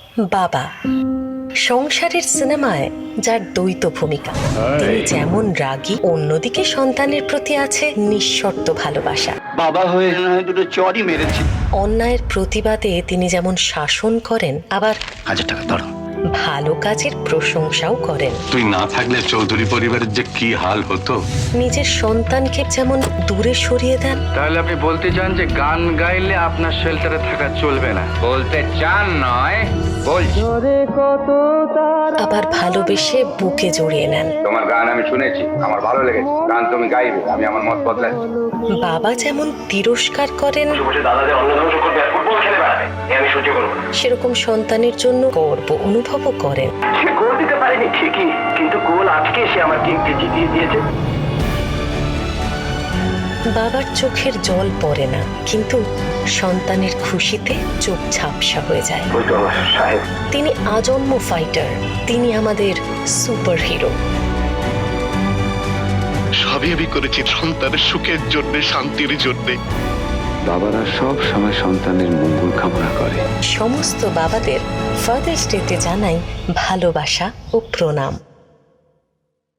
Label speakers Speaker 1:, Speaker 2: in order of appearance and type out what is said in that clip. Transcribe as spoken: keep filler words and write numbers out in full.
Speaker 1: বাবা সংসারের সিনেমায় যার দ্বৈত ভূমিকা, তিনি যেমন রাগী, অন্যদিকে সন্তানের প্রতি আছে নিঃশর্ত ভালোবাসা।
Speaker 2: বাবা হয়ে দুটো চড়ই মেরেছি।
Speaker 1: অন্যায়ের প্রতিবাদে তিনি যেমন শাসন করেন, আবার
Speaker 2: হাজার টাকা ধরো।
Speaker 1: ভালো কাজের প্রশংসাও করেন।
Speaker 3: তুই না থাকলে চৌধুরী পরিবারের যে কি হাল হতো।
Speaker 1: নিজের সন্তানকে যেমন দূরে সরিয়ে দেন।
Speaker 4: তাহলে আপনি বলতে চান যে গান গাইলে আপনার শেল্টারে থাকা চলবে না? বলতে চান নয়, বলছি।
Speaker 1: আবার ভালোবেসে বুকে জড়িয়ে নেন।
Speaker 4: তোমার গান আমি শুনেছি, আমার ভালো লেগেছে। গান তুমি গাইবে, আমি আমার মত বদলাচ্ছি।
Speaker 1: বাবা যেমন তিরস্কার করেন, সেরকম সন্তানের জন্য গর্ব অনুভবও করেন।
Speaker 5: সে গোল দিতে পারেনি ঠিকই, কিন্তু গোল আজকে সে আমার টিমকে জিতিয়ে দিয়েছে।
Speaker 1: বাবার চোখের জল পড়ে না, কিন্তু সন্তানের খুশিতে চোখ ঝাপসা হয়ে যায়।
Speaker 5: ওই তো আমার সাহেব।
Speaker 1: তিনি আজন্ম ফাইটার, তিনি আমাদের সুপার হিরো।
Speaker 6: সবই আমি করেছি সন্তানের সুখের জন্য, শান্তির জন্য।
Speaker 4: বাবারা সব সময় সন্তানের মঙ্গল কামনা করে।
Speaker 1: সমস্ত বাবাদের ফাদার্স ডেতে জানাই ভালোবাসা ও প্রণাম।